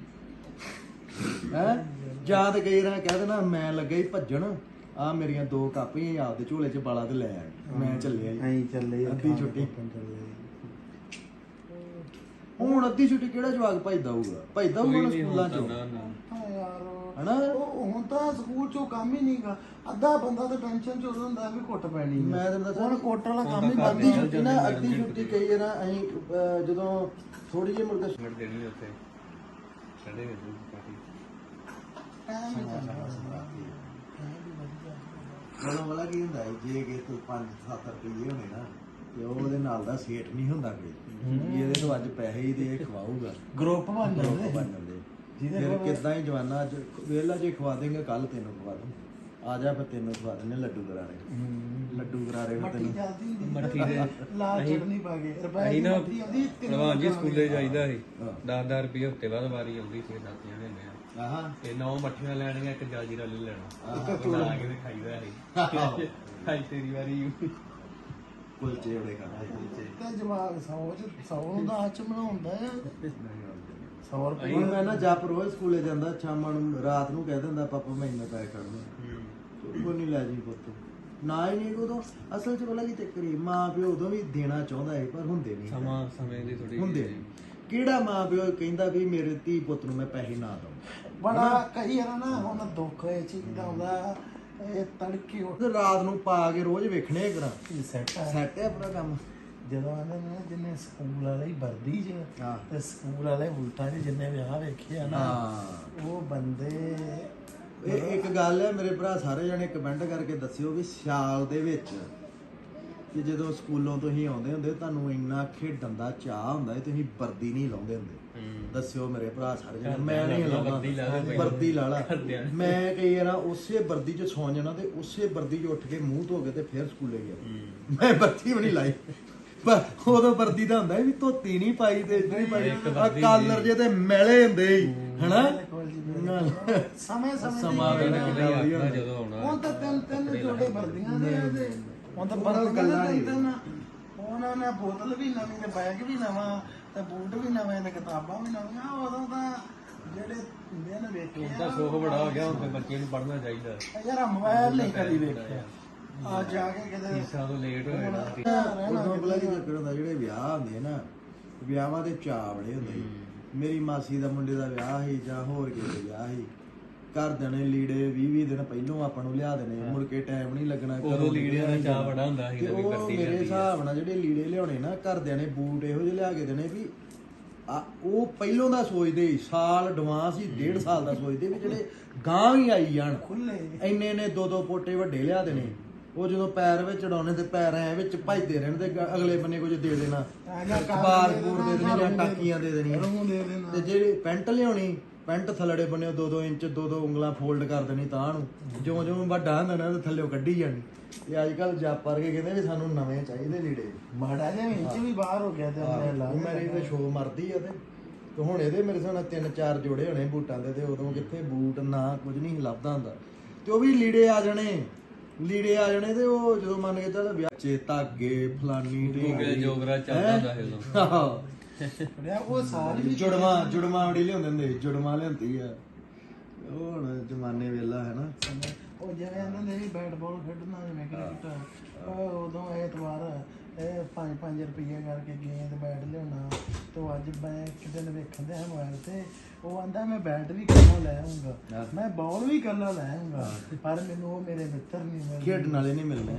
ਹੈ ਜਾਂ ਤੇ ਕਈ ਵਾਰ ਕਹਿ ਦੇਣਾ ਮੈਂ ਲੱਗਾ ਹੀ ਭੱਜਣ, ਆ ਮੇਰੀਆਂ 2 ਕਾਪੀਆਂ ਆਪਦੇ ਝੋਲੇ 'ਚ ਬਾਲਾ ਤੇ ਲੈ ਆ, ਮੈਂ ਚੱਲਿਆ
ਐਂ ਚੱਲੇ
ਅੱਧੀ ਛੁੱਟੀ। ਹੁਣ ਅੱਧੀ ਛੁੱਟੀ ਕਿਹੜਾ ਜਵਾਕ ਭੱਜਦਾ ਹੋਊਗਾ, ਭੱਜਦਾ ਹੋਊਗਾ ਸਕੂਲਾਂ 'ਚ
ਯਾਰ
ਹਨਾ।
ਹੁਣ ਤਾਂ ਸਕੂਲ 'ਚੋਂ ਕੰਮ ਹੀ ਨਹੀਂਗਾ, ਅੱਧਾ ਬੰਦਾ ਤਾਂ ਟੈਨਸ਼ਨ 'ਚ ਉਦੋਂ ਹੁੰਦਾ ਵੀ ਕੁੱਟ ਪੈਣੀ।
ਮੈਂ ਤੈਨੂੰ ਦੱਸਾਂ
ਹੁਣ ਕੋਟ ਵਾਲਾ ਕੰਮ ਹੀ
ਅੱਧੀ ਛੁੱਟੀ ਨਾ, ਅੱਧੀ ਛੁੱਟੀ ਕਈ ਵਾਰ ਅਸੀਂ ਜਦੋਂ ਥੋੜੀ ਜਿਹੀ ਮੁੜ ਕੇ
ਮਿੰਟ ਦੇਣੀ ਉੱਥੇ ਛੱਡੇ ਨੇ ਕਾਫੀ
ਮਤਲਬ ਵਾਲਾ ਕੀ ਹੁੰਦਾ ਹੈ, ਜੇ ਕਿ ਤੂੰ 5-7 ਰੁਪਏ ਹੋਣੇ ਨਾ ਤੇ ਉਹਦੇ ਨਾਲ ਦਾ ਸੇਠ ਨਹੀਂ ਹੁੰਦਾ ਕੋਈ, ਇਹਦੇ ਤੋਂ ਅੱਜ ਪੈਸੇ ਹੀ ਦੇ ਖਵਾਊਗਾ,
ਗਰੁੱਪ ਬਣ ਜਾਂਦੇ
ਬਣ ਜਾਂਦੇ। ਫਿਰ ਕਿੱਦਾਂ ਹੀ ਜਵਾਨਾ ਅੱਜ ਵੇਲਾ ਜੇ ਖਵਾ ਦੇਂਗੇ ਕੱਲ ਤੈਨੂੰ ਖਵਾ ਦੂੰ, ਆ ਜਾ ਫਿਰ ਤੈਨੂੰ ਖਵਾ ਦਿੰਦੇ ਲੱਡੂ ਗਰਾਰੇ ਫਿਰ ਤੈਨੂੰ
ਮੱਠੀ ਦੇ
ਲਾਲ ਚਟਨੀ ਪਾ ਕੇ ਰੁਪਏ
ਅਸੀਂ
ਦੀ
ਨਾ
ਮੱਠੀ ਆਉਂਦੀ
ਭਲਵਾਨ ਜੀ ਸਕੂਲੇ ਜਾਈਦਾ ਸੀ 10-10 ਰੁਪਏ ਹਫ਼ਤੇ ਬਾਅਦ ਵਾਰੀ ਆਉਂਦੀ ਸੀ ਦਾਤੀਆਂ ਦੇ
ਆਹਾਂ
ਤੇ 9 ਮੱਠੀਆਂ ਲੈਣੀਆਂ, ਇੱਕ ਜਾਜੀਰਾ ਲੈ ਲੈਣਾ, ਬਣਾ ਕੇ ਤੇ ਖਾਈਦਾ ਸੀ। ਖਾਈ ਤੇਰੀ ਵਾਰੀ
ਕੁਲਚੇ ਬੜੇ ਖਾਂਦੇ
ਤੇ ਜਵਾਬ 100 ਦਾ ਅੱਜ ਬਣਾਉਂਦਾ ਆ 100 ਰੁਪਏ।
ਹੁਣ ਮੈਂ ਨਾ ਜਪ ਰੋਜ਼ ਸਕੂਲੇ ਜਾਂਦਾ, ਸ਼ਾਮਾਂ ਨੂੰ ਰਾਤ ਨੂੰ ਕਹਿ ਦਿੰਦਾ ਪਾਪਾ ਮੈਂ ਇੰਨਾ ਪੈਸੇ ਕੱਢਣਾ, ਕੋਈ ਨਹੀਂ ਲੈ ਜੀ ਪੁੱਤ ਨਾ ਹੀ ਨਹੀਂ। ਉਦੋਂ ਅਸਲ 'ਚ ਪਤਾ ਕੀ ਚੱਕਰ ਸੀ, ਮਾਂ ਪਿਓ ਉਦੋਂ ਵੀ ਦੇਣਾ ਚਾਹੁੰਦਾ ਹੈ ਪਰ ਹੁੰਦੇ ਨਹੀਂ,
ਸਮੇਂ ਦੀ ਥੋੜੀ
ਹੁੰਦੇ ਨਹੀਂ। ਕਿਹੜਾ ਮਾਂ ਪਿਓ ਕਹਿੰਦਾ ਵੀ ਮੇਰੇ ਧੀ ਪੁੱਤ ਨੂੰ ਮੈਂ ਪੈਸੇ ਨਾ ਦਵਾਂ।
ਬੜਾ ਕਈ ਵਾਰ ਨਾ ਹੁਣ ਦੁੱਖ ਇਹ ਚੀਜ਼ ਦਾ ਆਉਂਦਾ, ਇਹ ਤੜਕੇ ਉੱਠ
ਤੇ ਰਾਤ ਨੂੰ ਪਾ ਕੇ ਰੋਜ਼ ਵੇਖਣੇ ਕਰਾਂ
ਸੈੱਟ ਆ।
ਸੈੱਟ ਹੈ ਆਪਣਾ ਕੰਮ।
ਜਦੋਂ ਆਂਦੇ ਨੇ ਜਿੰਨੇ ਸਕੂਲ ਵਾਲੇ ਹੀ ਵਰਦੀ 'ਚ
ਹਾਂ।
ਤੇ ਸਕੂਲ ਵਾਲੇ ਬੂਟਾਂ 'ਚ ਜਿੰਨੇ ਵਿਆਹ ਵੇਖੇ ਆ ਨਾ, ਉਹ ਬੰਦੇ
ਇਹ ਇੱਕ ਗੱਲ ਹੈ ਮੇਰੇ ਭਰਾ, ਸਾਰੇ ਜਣੇ ਕਮੈਂਟ ਕਰਕੇ ਦੱਸਿਓ ਵੀ ਸਿਆਲ ਦੇ ਵਿੱਚ ਕਿ ਜਦੋਂ ਸਕੂਲੋਂ ਤੁਸੀਂ ਆਉਂਦੇ ਹੁੰਦੇ ਤੁਹਾਨੂੰ ਇੰਨਾ ਖੇਡਣ ਦਾ ਚਾਹ ਹੁੰਦਾ ਹੈ, ਤੁਸੀਂ ਵਰਦੀ ਨਹੀਂ ਲਾਉਂਦੇ ਹੁੰਦੇ। ਦੱਸਿਓ ਮੇਰੇ ਭਰਾ ਸਾਰੇ ਜਣੇ, ਮੈਂ ਨਹੀਂ ਲਾਉਂਦਾ ਵਰਦੀ ਲਾ ਲਾ। ਮੈਂ ਕਈ ਵਾਰ ਉਸੇ ਵਰਦੀ 'ਚ ਸੌਂ ਜਾਣਾ ਤੇ ਉਸੇ ਵਰਦੀ 'ਚ ਉੱਠ ਕੇ ਮੂੰਹ ਧੋ ਕੇ ਤੇ ਫਿਰ ਸਕੂਲੇ ਗਿਆ। ਮੈਂ ਵਰਦੀ ਵੀ ਨਹੀਂ ਲਾਈ, ਪਰ ਉਦੋਂ ਵਰਦੀ ਦਾ ਹੁੰਦਾ ਵੀ ਧੋਤੀ ਨਹੀਂ ਪਾਈ ਤੇ ਇੱਧਰ ਹੀ ਪਾਈ, ਕਾਲਰ ਜੇ ਤੇ ਮੈਲੇ ਹੁੰਦੇ ਹੀ ਹਨਾ।
ਸਮੇਂ
ਸਮਾਂ ਵੀ ਨਾ ਜਦੋਂ ਆਉਣਾ
ਹੁਣ ਤਾਂ ਤਿੰਨ ਜੋੜੇ ਵਰਦੀਆਂ ਦੇ ਆ ਤੇ ਹੁਣ ਤਾਂ ਵਰਦੀਆਂ ਦੇ ਤਿੰਨ। ਉਹਨਾਂ ਨੇ ਬੋਤਲ ਵੀ ਨਵੀਂ ਤੇ ਬੈਗ ਵੀ ਨਵਾਂ ਤੇ ਬੂਟ ਵੀ ਨਵੇਂ ਤੇ ਕਿਤਾਬਾਂ ਵੀ ਨਵੀਆਂ। ਉਦੋਂ ਤਾਂ ਜਿਹੜੇ ਹੁੰਦੇ ਨੇ ਵੇਖੇ
ਉਹਦਾ ਸੁੱਖ ਬੜਾ ਹੋ ਗਿਆ, ਹੁਣ ਤੇ ਬੱਚੇ ਨੂੰ ਪੜ੍ਹਨਾ ਚਾਹੀਦਾ।
ਯਾਰ ਮੋਬਾਈਲ ਨਹੀਂ ਕਦੀ ਵੇਖਿਆ, ਆ ਜਾ ਕੇ ਕਿਤੇ
ਫੀਸਾਂ ਤੋਂ ਲੇਟ ਹੋ ਜਾਣਾ।
ਉਦੋਂ ਪਹਿਲਾਂ ਕੀ ਚੱਕਰ ਹੁੰਦਾ, ਜਿਹੜੇ ਵਿਆਹ ਹੁੰਦੇ ਨਾ, ਵਿਆਹਾਂ ਦੇ ਚਾਅ ਬੜੇ ਹੁੰਦੇ। ਮੇਰੀ ਮਾਸੀ ਦਾ ਮੁੰਡੇ ਦਾ ਵਿਆਹ ਸੀ ਜਾਂ ਹੋਰ ਕਿਸੇ ਦਾ ਵਿਆਹ ਸੀ, ਘਰਦਿਆਂ ਨੇ ਲੀੜੇ 20 ਦਿਨ ਪਹਿਲੋਂ ਆਪਾਂ ਨੂੰ ਲਿਆ ਦੇਣੇ, ਮੁੜ ਕੇ ਟਾਈਮ ਨਹੀਂ ਲੱਗਣਾ।
ਉਦੋਂ ਲੀੜਿਆਂ ਦਾ ਚਾਅ ਬੜਾ ਹੁੰਦਾ ਸੀ।
ਉਹ ਮੇਰੇ ਹਿਸਾਬ ਨਾਲ ਜਿਹੜੇ ਲੀੜੇ ਲਿਆਉਣੇ ਨਾ, ਘਰਦਿਆਂ ਨੇ ਬੂਟ ਇਹੋ ਜਿਹੇ ਲਿਆ ਕੇ ਦੇਣੇ ਵੀ ਉਹ ਪਹਿਲੋਂ ਦਾ ਸੋਚਦੇ ਸਾਲ ਐਡਵਾਂਸ ਹੀ 1.5 ਸਾਲ ਦਾ ਸੋਚਦੇ ਵੀ ਜਿਹੜੇ ਗਾਂ ਵੀ ਆਈ ਜਾਣ
ਖੁੱਲੇ
ਇੰਨੇ ਨੇ 2-2 ਪੋਟੇ ਵੱਡੇ ਲਿਆ ਦੇਣੇ। ਉਹ ਜਦੋਂ ਪੈਰ ਵਿੱਚ ਚੜਾਉਣੇ ਤੇ ਪੈਰ ਐ ਵਿੱਚ ਭੱਜਦੇ ਰਹਿਣ ਤੇ ਅਗਲੇ ਬੰਨੇ ਕੁਝ ਦੇ ਦੇਣਾ, ਬਾਰ ਬੂਰ ਦੇ ਦੇਣੇ ਜਾਂ ਟਾਕੀਆਂ ਦੇ ਦੇਣੀਆਂ। ਤੇ ਜਿਹੜੀ ਪੈਂਟ ਲਿਆਉਣੀ ਪੈਂਟ ਥੱਲੜੇ ਬੰਨੇ 2-2 ਇੰਚ 2-2 ਉਂਗਲਾਂ ਫੋਲਡ ਕਰ ਦੇਣੀ ਤਾਂ ਨੂੰ ਜਿਉਂ ਜਿਉਂ ਵੱਡਾ ਹੁੰਦਾ ਨਾ ਤੇ ਥੱਲੇੋਂ ਕੱਢੀ ਜਾਣੀ। ਤੇ ਅੱਜ ਕੱਲ ਜੱਪ ਵਰਗੇ ਕਹਿੰਦੇ ਵੀ ਸਾਨੂੰ ਨਵੇਂ ਚਾਹੀਦੇ ਲੀੜੇ।
ਮਾੜਾ ਜਿਹਾ ਇੰਚ ਵੀ ਬਾਹਰ ਹੋ ਗਿਆ ਤੇ ਉਹਨੇ ਲਾ
ਉਹ ਮੇਰੀ ਤੇ ਸ਼ੋ ਮਰਦੀ ਆ ਤੇ ਹੁਣ ਇਹਦੇ ਮੇਰੇ ਹਿਸਾਬ ਨਾਲ 3-4 ਜੋੜੇ ਹੋਣੇ ਬੂਟਾਂ ਦੇ ਤੇ ਉਦੋਂ ਕਿੱਥੇ ਬੂਟ ਨਾ ਕੁਝ ਨਹੀਂ ਲੱਭਦਾ ਹੁੰਦਾ ਤੇ ਉਹ ਵੀ ਲੀੜੇ ਆ ਜਾਣੇ ਤੇ ਉਹ ਜਦੋਂ ਮੰਨ ਕੇ ਚੱਲ ਵਿਆਹ ਚ ਧਾਗੇ ਫਲਾਨੀ ਢੀਂਗਰੀ
ਜੋਗਰਾ ਚੱਲਦਾ ਹੁੰਦਾ ਇਹ
ਰਿਹਾ ਉਹ ਸਾਰੀ
ਜੁੜਵਾ ਵੜੀ ਲਿਆਉਂਦੇ ਹੁੰਦੇ ਜੁੜਵਾ ਲਿਆਂਦੀ ਆ ਉਹ ਹੁਣ ਜ਼ਮਾਨੇ ਵੇਲਾ ਹੈ ਨਾ।
ਉਹ ਜਿਵੇਂ ਇਹਨਾਂ ਦੇ ਵੀ ਬੈਟ ਬਾਲ ਖੇਡਣਾ ਜਿਵੇਂ ਕ੍ਰਿਕਟ ਉਦੋਂ ਐਤਵਾਰ 5-5 ਰੁਪਏ ਕਰਕੇ ਗੇਂਦ ਬੈਟ ਲਿਆਉਣਾ ਤੇ ਅੱਜ ਮੈਂ ਇੱਕ ਦਿਨ ਵੇਖਣ ਦੇ ਮੋਬਾਈਲ ਤੇ ਉਹ ਆਂਦਾ ਮੈਂ ਬੈਟ ਵੀ ਕੱਲਾ ਲੈ ਆਉਂਗਾ ਮੈਂ ਬਾਲ ਵੀ ਕੱਲਾ ਲੈ ਆਉਂਗਾ ਪਰ ਮੈਨੂੰ ਉਹ ਮੇਰੇ ਮਿੱਤਰ ਨਹੀਂ ਮਿਲੇ
ਖੇਡਣ ਵਾਲੇ ਨਹੀਂ ਮਿਲਣੇ।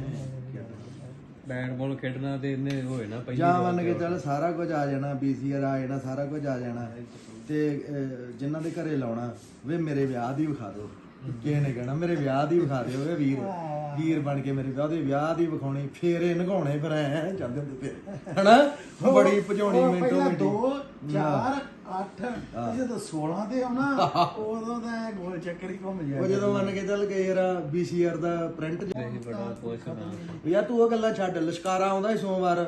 ਬੈਟ ਬਾਲ ਖੇਡਣਾ ਤੇ ਇਹਨੇ ਹੋਏ ਨਾ ਪਹਿਲੀ
ਜਾਂ ਮੰਨ ਕੇ ਚੱਲ ਸਾਰਾ ਕੁਝ ਆ ਜਾਣਾ BCR ਆ ਜਾਣਾ ਸਾਰਾ ਕੁਝ ਆ ਜਾਣਾ ਤੇ ਜਿਨ੍ਹਾਂ ਦੇ ਘਰੇ ਲਾਉਣਾ ਵੇ ਮੇਰੇ ਵਿਆਹ ਦੀ ਵਿਖਾ ਦਿਓ ਕਿਸੇ ਨੇ ਕਹਿਣਾ ਮੇਰੇ ਵਿਆਹ ਦੀ ਵਿਖਾ ਦਿਓ ਵੇ ਵੀਰ ਬਣ ਕੇ ਮੇਰੇ ਵਿਆਹ ਦੀ ਵਿਖਾਉਣੀ ਫੇਰੇ ਨਗਾਉਣੇ ਫਿਰ ਐ ਜਾਂਦੇ ਹੁੰਦੇ ਫਿਰ ਹਨਾ ਬੜੀ ਭਜਾਉਣੀ ਮਿੰਟੋ ਮਿੰਟੀ
2 4 8 ਜਦੋਂ 16 ਤੇ ਆਉਣਾ ਉਦੋਂ ਤਾਂ ਗੋਲ ਚੱਕਰ ਹੀ ਘੁੰਮ
ਉਹ
ਜਾਂਦਾ।
ਜਦੋਂ ਮੰਨ ਕੇ ਚੱਲ ਗਏ ਯਾਰ BCR ਦਾ ਪ੍ਰਿੰਟ
ਬੜਾ ਕੁਛ ਨਾ
ਯਾਰ ਤੂੰ ਉਹ ਗੱਲਾਂ ਛੱਡ ਲਸ਼ਕਾਰਾ ਆਉਂਦਾ ਸੀ ਸੋਮਵਾਰ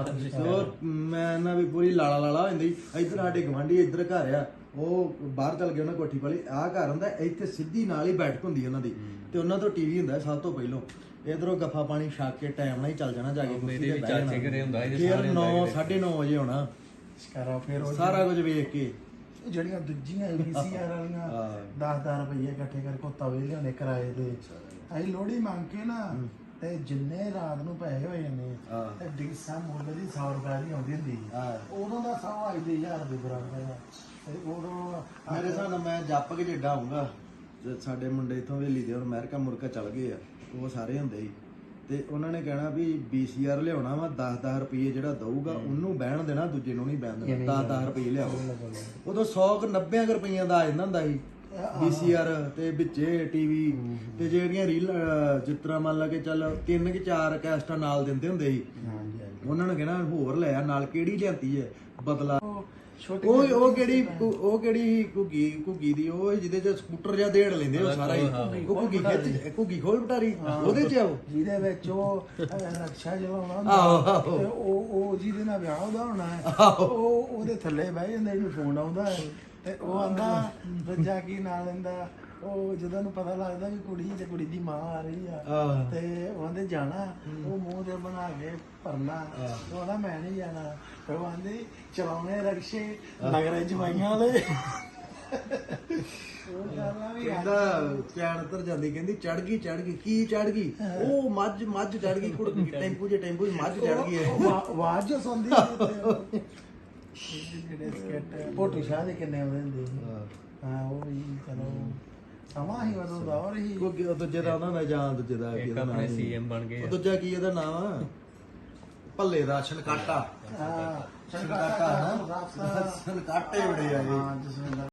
ਉਹ ਮੈਂ ਨਾ ਵੀ ਪੂਰੀ ਲਾਲਾ ਹੋ ਜਾਂਦੀ ਇੱਧਰ ਸਾਡੇ ਗਵਾਂਢੀ ਇੱਧਰ ਘਰ ਆ ਉਹ ਬਾਹਰ ਚਲ ਗਏ ਉਹਨਾਂ ਕੋਠੀ ਵਾਲੀ ਆਹ ਘਰ ਹੁੰਦਾ ਇੱਥੇ ਸਿੱਧੀ ਨਾਲ ਹੀ ਬੈਠਕ ਹੁੰਦੀ ਉਹਨਾਂ ਦੀ ਤੇ ਉਹਨਾਂ ਤੋਂ ਟੀਵੀ ਹੁੰਦਾ ਸਭ ਤੋਂ ਪਹਿਲੋਂ ਇਧਰੋਂ ਗੱਫਾ ਪਾਣੀ ਛਕ ਕੇ ਟਾਈਮ ਨਾਲ ਹੀ ਚੱਲ ਜਾਣਾ ਜਾ ਕੇ ਕੁਰਸੀ ਤੇ ਬਹਿ
ਚਾਚੇ ਘਰੇ ਹੁੰਦਾ ਸੀ
ਫਿਰ 9:30 ਵਜੇ ਆਉਣਾ
ਸ਼ਕਾਰਾ ਫਿਰ ਉਹ
ਸਾਰਾ ਕੁਝ ਵੇਖ ਕੇ
ਜਿਹੜੀਆਂ ਦੂਜੀਆਂ BCR ਵਾਲੀਆਂ 10-10 ਰੁਪਏ ਇਕੱਠੇ ਕਰਕੇ ਤਵੇ ਲਿਆਉਣੇ ਕਿਰਾਏ ਤੇ ਅਸੀਂ ਲੋਹੜੀ ਮੰਗ ਕੇ ਨਾ ਤੇ ਜਿੰਨੇ ਰਾਤ ਨੂੰ ਪੈਸੇ ਹੋਏ ਨੇ ਤੇ ਡਿਗਸਾ ਮੁੱਲ ਦੀ 100 ਰੁਪਏ ਦੀ ਆਉਂਦੀ ਹੁੰਦੀ ਉਦੋਂ ਦਾ 100 ਅੱਜ ਦੇ 1000 ਦੇ ਬਰਾਬਰ ਆ ਤੇ ਉਦੋਂ
ਮੇਰੇ ਹਿਸਾਬ ਨਾਲ ਮੈਂ ਜੱਪ ਕੇ ਜਿੱਡਾ ਆਉਂਗਾ ਸਾਡੇ ਮੁੰਡੇ ਇਥੋਂ ਵੇਲੀ ਦੇ ਹੁਣ ਅਮਰੀਕਾ ਮੁਰਕਾ ਚੱਲ ਗਏ ਆ ਉਹ ਸਾਰੇ ਹੁੰਦੇ ਸੀ ਤੇ ਉਹਨਾਂ ਨੇ ਕਹਿਣਾ ਵੀ BCR ਲਿਆਉਣਾ ਵਾ 10-10 ਰੁਪਏ ਜਿਹੜਾ ਦਊਗਾ ਉਹਨੂੰ ਬਹਿਣ ਦੇਣਾ ਦੂਜੇ ਨੂੰ ਨਹੀਂ ਬਹਿਣ ਦੇਣਾ 10-10 ਰੁਪਏ ਲਿਆਓ ਉਦੋਂ 100-90 ਰੁਪਈਆਂ ਦਾ ਆ ਜਾਂਦਾ ਹੁੰਦਾ ਸੀ BCR ਤੇ ਵਿੱਚੇ ਟੀਵੀ ਤੇ ਜਿਹੜੀਆਂ ਰੀਲ ਜਿਸ ਤਰ੍ਹਾਂ ਮੰਨ ਲਾ ਕੇ ਚੱਲ 3 ਕਿ 4 ਕੈਸਟਾਂ ਨਾਲ ਦਿੰਦੇ ਹੁੰਦੇ ਸੀ ਉਹਨਾਂ ਨੇ ਕਹਿਣਾ ਹੋਰ ਲੈ ਆ ਨਾਲ ਕਿਹੜੀ ਲਿਆਂਦੀ ਹੈ ਬਦਲਾ ਉਹ ਕਿਹੜੀ ਘੁੱਗੀ ਦੀ ਉਹ ਜਿਹਦੇ ਚ ਸਕੂਟਰ ਜਾਂ ਦੇੜ ਲੈਂਦੇ ਉਹ ਸਾਰਾ ਹੀ ਘੁੱਗੀ ਖੋਲ ਬਟਾਰੀ ਉਹਦੇ ਚ ਆਓ
ਜਿਹਦੇ ਵਿੱਚ ਉਹ ਰਕਸ਼ਾ ਚਲਾਉਣਾ ਹੁੰਦਾ ਤੇ ਉਹ ਜਿਹਦੇ ਨਾਲ ਵਿਆਹ ਉਹਦਾ ਹੋਣਾ ਹੈ ਉਹ ਉਹਦੇ ਥੱਲੇ ਬਹਿ ਜਾਂਦੇ ਇਹਨੂੰ ਫੋਨ ਆਉਂਦਾ ਹੈ ਤੇ ਉਹ ਆਂਦਾ ਬੱਚਾ ਕੀ ਨਾਲ ਲੈਂਦਾ ਉਹ ਜਦੋਂ ਨੂੰ ਪਤਾ ਲੱਗਦਾ ਵੀ ਕੁੜੀ ਤੇ ਕੁੜੀ ਦੀ ਮਾਂ ਆ ਰਹੀ ਆ ਤੇ ਉਹਦੇ ਜਾਣਾ ਉਹ ਮੂੰਹ ਤੇ ਬਣਾ ਕੇ ਭਰਨਾ ਉਹ ਆਂਦਾ ਮੈਂ ਨਹੀਂ ਜਾਣਾ ਤੇ ਉਹ ਆਂਦੇ ਚਲਾਉਣੇ ਰਕਸ਼ੇ ਨਗਰ ਜਵਾਈਆਂ ਦੇ
ਕਹਿੰਦਾ ਚੈਨ ਉਤਰ ਜਾਂਦੀ ਕਹਿੰਦੀ ਚੜ ਗਈ ਕੀ ਚੜ ਗਈ ਉਹ ਮੱਝ ਚੜ ਗਈ ਕੁੜੀ ਟੈਂਪੂ 'ਚ ਮੱਝ ਚੜ ਗਈ ਹੈ
ਆਵਾਜ਼ ਜੋ ਸੁਣਦੀ ਜਿਹੜੇ ਸਕੇਟ ਪੋਟੂ ਸ਼ਾਹ ਦੇ ਕਿੰਨੇ ਆਉਂਦੇ ਹੁੰਦੇ ਸੀ ਹਾਂ ਉਹ ਵੀ ਚਲੋ ਸਮਾਂ ਹੀ ਉਦੋਂ ਦਾ ਔਰ ਹੀ
ਕੋਈ ਦੂਜੇ ਦਾ ਉਹਨਾਂ ਦਾ ਜਾਂ ਦੂਜੇ ਦਾ ਕੀ ਇਹਦਾ ਨਾਮ
CM ਬਣ ਗਏ
ਉਹ ਦੂਜਾ ਕੀ ਇਹਦਾ ਨਾਮ ਆ ਭੱਲੇ ਦਾ ਛਲਕਾਟਾ
ਹਾਂ
ਛਲਕਾਟੇ ਬੜੇ ਆ ਇਹ